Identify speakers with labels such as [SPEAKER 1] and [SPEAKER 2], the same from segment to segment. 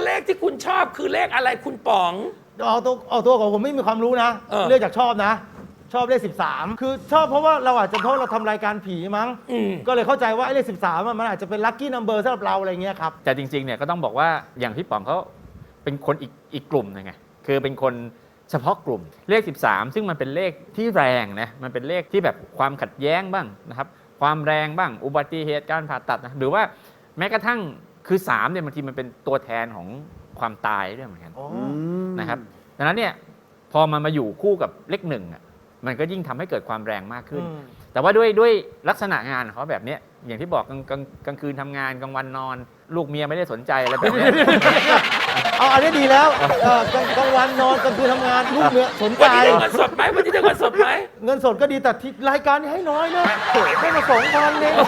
[SPEAKER 1] เลขที่คุณชอบคือเลขอะไรคุณป๋อง
[SPEAKER 2] เอาตัวของผมไม่มีความรู้นะเลือกจากชอบนะ ชอบเลข13คือชอบเพราะว่าเราอาจจะเพราะเราทำรายการผีมั้งก็เลยเข้าใจว่าไอ้เลข13มันอาจจะเป็นลัคกี้นัมเบอร์สำหรับเราอะไรเงี้ยครับ
[SPEAKER 3] แต่จริงๆเนี่ยก็ต้องบอกว่าอย่างพี่ป๋องเขาเป็นคนอีกกลุ่มนึงไงคือเป็นคนเฉพาะกลุ่มเลข13ซึ่งมันเป็นเลขที่แรงนะมันเป็นเลขที่แบบความขัดแย้งบ้างนะครับความแรงบ้างอุบัติเหตุการผ่าตัดนะหรือว่าแม้กระทั่งคือ3เนี่ยบางทีมันเป็นตัวแทนของความตายด้วยเหมือนกันนะครับดังนั้นเนี่ยพอมันมาอยู่คู่กับเลข1อ่ะมันก็ยิ่งทำให้เกิดความแรงมากขึ้นแต่ว่าด้วยลักษณะงานของเขาแบบนี้อย่างที่บอกกลางคืนทำงานกลางวันนอนลูกเมียไม่ได้สนใจอะไรแบบนี้
[SPEAKER 2] เอาอันนี้ดีแล้วกลางวันนอนกลางคืนทำงานลูกเมียสนใจ
[SPEAKER 1] วันนี้ได้เงินสดไหมวันนี้ได้เงินสดไหม
[SPEAKER 2] เงินสดก็ดีแต่รายการนี้ให้น้อยนะให้มา2,000เนี่ย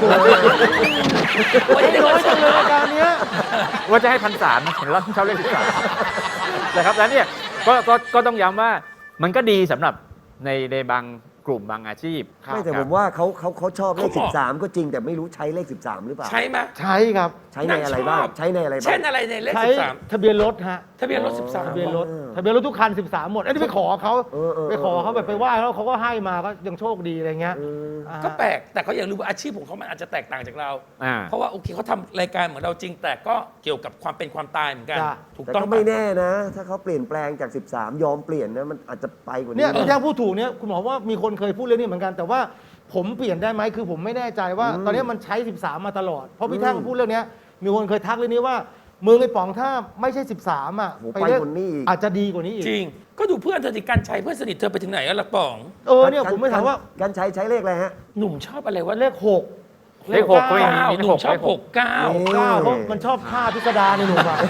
[SPEAKER 2] ให้น้อยจังเลยรายการนี้
[SPEAKER 3] ว่าจะให้1,300นะเห็นเราชอบเลข13นะครับแล้วเนี่ยก็ต้องย้ำว่ามันก็ดีสำหรับในบางกลุ่มบางอาชีพ
[SPEAKER 4] ไม่แต่ผมว่าเขาชอบเลข13ก็จริงแต่ไม่รู้ใช้เลข13หรือเปล่า
[SPEAKER 1] ใช่ไหม
[SPEAKER 2] ใช่ครับ
[SPEAKER 4] ใช้ในอะไรบ้างใช้ในอะไรบ้าง
[SPEAKER 1] เช่นอะไรในเลข
[SPEAKER 2] 13ทะเบียนรถฮะ
[SPEAKER 1] ทะเบียนรถ13
[SPEAKER 2] ทะเบียนรถทุกคัน13หมดอันนี้ไปขอเขาแบบไปไหว้แล้วเขาก็ให้มาก็ยังโชคดีอะไรเงี้ย
[SPEAKER 1] ก็แปลกแต่เขาอย่าลืมว่าอาชีพของเขามันอาจจะแตกต่างจากเราเพราะว่าโอเคเขาทำรายการเหมือนเราจริงแต่ก็เกี่ยวกับความเป็นความตายเหมือนกัน
[SPEAKER 4] ถูกต้องไม่แน่นะถ้าเขาเปลี่ยนแปลงจาก13ยอมเปลี่ยนนะมันอาจจะไปกว่านี้
[SPEAKER 2] เนี่ยที่พูดถูกเนี่ยคุณหมอว่ามีคนเคยพูดเรื่องนี้เหมือนกันแต่ว่าผมเปลี่ยนได้ไหมคือผมไม่แน่ใจว่าตอนนี้มันใช้13มาตลอดเพราะพี่แท่งพูดเรื่องนี้มีคนเคยทักเรื่องนี้ว่ามือไอ้ป๋องถ้าไม่ใช่13อ่ะ
[SPEAKER 4] ไปเรียก
[SPEAKER 2] อาจจะดีกว่านี้อีก
[SPEAKER 1] จริงก็ดูเพื่อนเธอที่กันชัยเพื่อนสนิทเธอไปถึงไหนแล้วล่ะป๋อง
[SPEAKER 2] เนี่ยผมไม่ถามว่า
[SPEAKER 4] กันชัยใช้เลขอะไรฮะ
[SPEAKER 1] หนุ่มชอบอะไรวะ
[SPEAKER 2] เลข6
[SPEAKER 3] เลข6ก็มี
[SPEAKER 1] หนุ่มชอบ69
[SPEAKER 2] เพราะมันชอบท่าพิสดารในหนุ่มอ่ะ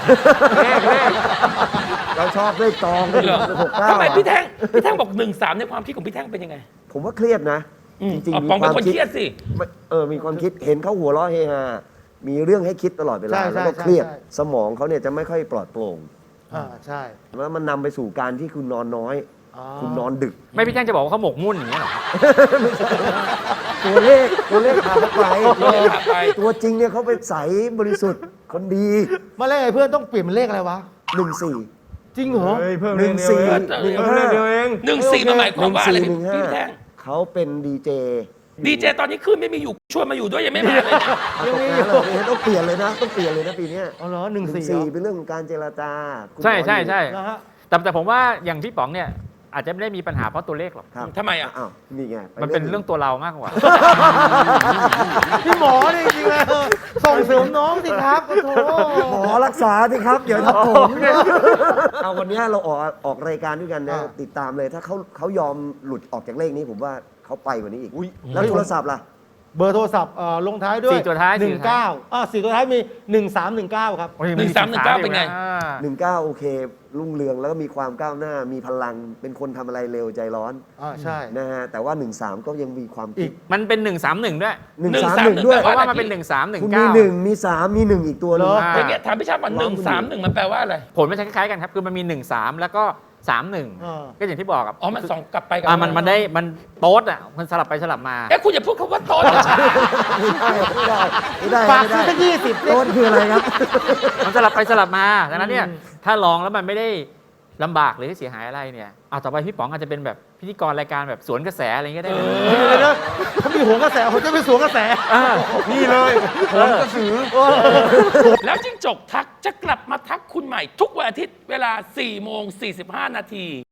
[SPEAKER 4] เราชอบเลขตอง
[SPEAKER 1] 69ทำไมพี่แท่งบอก13ในความคิดของพี่แท่งเป็นยังไง
[SPEAKER 4] ผมว่าเครียดนะจริง
[SPEAKER 1] ๆมีความคิดเครียดสิ
[SPEAKER 4] มีความคิดเห็นเขาหัวเราะเฮฮามีเรื่องให้คิดตลอดเวลาแล้วก็เครียดสมองเขาเนี่ยจะไม่ค่อยปลอดโปร่ง
[SPEAKER 2] ใช่
[SPEAKER 4] แล้วมันนำไปสู่การที่คุณนอนน้อยคุณนอนดึก
[SPEAKER 3] ไม่พี่แจ้งจะบอกว่าเขาหมกมุ่นอย่างเงี้ยหรอ
[SPEAKER 4] ตัวเลขพาเขาไปตัวจริงเนี่ยเขาเป็นใสบริสุทธิ์คนดี
[SPEAKER 2] มาเลขไอ้เพื่อนต้องเปลี่ยนเป็นเลขอะไรวะ
[SPEAKER 4] 14
[SPEAKER 2] จริงเหรอ
[SPEAKER 4] เพิ่มเลขเดียวเอง
[SPEAKER 1] 14มันหมายความว่าอะไรพี่แท่ง
[SPEAKER 4] เขาเป็นดีเจ
[SPEAKER 1] ตอนนี้ขึ้นไม่มีอยู่ชวนมาอยู่ด้วยยังไม่มาเลย
[SPEAKER 4] ต้องเปลี่ยนเลยนะปีนี้
[SPEAKER 2] อ๋อเหรอ14
[SPEAKER 4] เป็นเรื่องของการเจรจา
[SPEAKER 3] ใช่แต่ผมว่าอย่างพี่ป๋องเนี่ยอาจจะไม่ได้มีปัญหาเพราะตัวเลขหรอก
[SPEAKER 1] ทำไม
[SPEAKER 4] นี่ไง
[SPEAKER 3] มันเป็นเรื่องตัวเรามากกว่า
[SPEAKER 2] พี่หมอนี่จริงเลยส่งเสริมน้องสิครับโอ้โห
[SPEAKER 4] หมอรักษาสิครับเดี๋ยวทับผมเอาวันนี้เราออกรายการด้วยกันนะติดตามเลยถ้าเขายอมหลุดออกจากเลขนี้ผมว่าเขาไปกว่านี้อีกแล้วโทรศัพท์ล่ะ
[SPEAKER 2] เบอร์โทรศัพท์ลงท้ายด้วย
[SPEAKER 3] 4 ตัวท้าย
[SPEAKER 2] 19 4 ตัวท้ายมี1319ครับ
[SPEAKER 1] 1319เป็นไง
[SPEAKER 4] 19โอเครุ่งเรืองแล้วก็มีความก้าวหน้ามีพลังเป็นคนทำอะไรเร็วใจร้อน
[SPEAKER 2] ใช่
[SPEAKER 4] นะฮะแต่ว่า13ก็ยังมีความคิด
[SPEAKER 3] มันเป็น131ด้วย
[SPEAKER 4] 131ด้วย
[SPEAKER 3] เพราะว่ามันเป็น1319
[SPEAKER 4] คุณมี1มี3มี1อีกตัวนึง
[SPEAKER 1] อย่างเงี้ยถามพี่ชาติว่า131มันแปลว่าอะไร
[SPEAKER 3] ผลมันคล้ายๆกันครับคือมันมี13แล้วก็31ก็อย่างที่บอกครับ
[SPEAKER 1] มันส่งกลับไปกับ
[SPEAKER 3] มันโต๊ดอ่ะมันสลับไปสลับมา
[SPEAKER 1] คุณอย่าพูดคำว่าโต๊ด
[SPEAKER 4] ไม่ได้
[SPEAKER 2] ฝากซื้อสัก20
[SPEAKER 4] โต๊ดคืออะไรครับ
[SPEAKER 3] มันสลับไปสลับมาดังนั้นเนี่ยถ้าลองแล้วมันไม่ได้ลำบากหรือเสียหายอะไรเนี่ยต่อไปพี่ป๋องอาจจะเป็นแบบพิธีกรรายการแบบสวนกระแสอะไรเงี้ยได้
[SPEAKER 2] เลยเขามีหัวกระแสผมจะไปสวนกระแส
[SPEAKER 3] นี่เลยผมกระสือ
[SPEAKER 1] แล้วจิ้งจกทักจะกลับมาทักคุณใหม่ทุกวันอาทิตย์เวลา4:45 นาที